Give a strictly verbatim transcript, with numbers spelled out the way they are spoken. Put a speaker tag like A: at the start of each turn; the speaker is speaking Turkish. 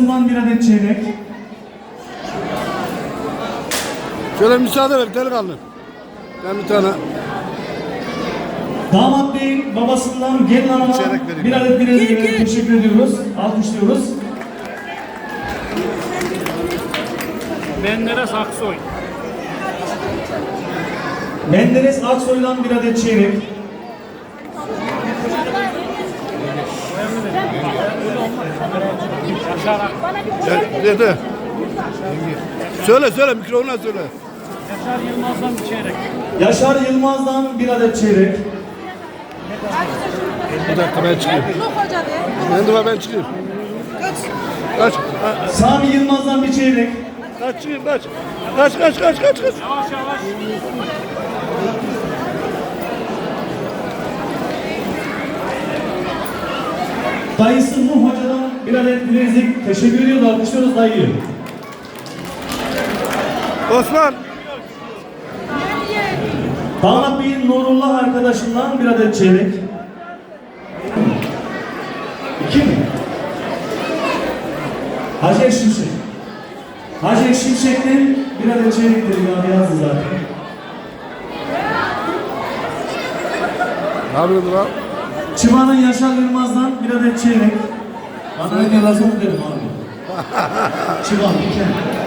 A: babasından bir adet çeyrek.
B: Şöyle müsaade ver delikanlı. Ben bir tane.
A: Damat Bey'in babasından gelin hanıma
B: Çeyrek vereyim.
A: bir adet bilezik vererek teşekkür ediyoruz. Alkışlıyoruz.
C: Menderes Aksoy.
A: Menderes Aksoy'dan bir adet çeyrek.
B: De, de, de. Söyle söyle mikrofona söyle.
C: Yaşar Yılmaz'dan bir çeyrek.
A: Yaşar Yılmaz'dan bir adet çeyrek.
B: Bir dakika ben çıkayım. Ben de var ben çıkayım. Kaç. Kaç. Ha,
A: Sami Yılmaz'dan bir çeyrek.
B: kaç çıkayım kaç. Kaç kaç kaç kaç kaç.
C: Yavaş yavaş.
A: Dayısı Nuh Hoca'dan bir adet bilezik teşekkür ediyoruz. Alkışlıyoruz dayıyı.
B: Osman.
A: Damat Bey'in Nurullah arkadaşından bir adet çeyrek. İki mi? Hacer Şimşek. Hacer Şimşek'ten bir adet çeyrektir ya yazdı zaten.
B: Ne yapıyorsun lan?
A: Çıvan'ın Yaşar Yılmaz'dan bir adet çeyrek. Bana ne lazım dedim abi. Çıvan bir kere.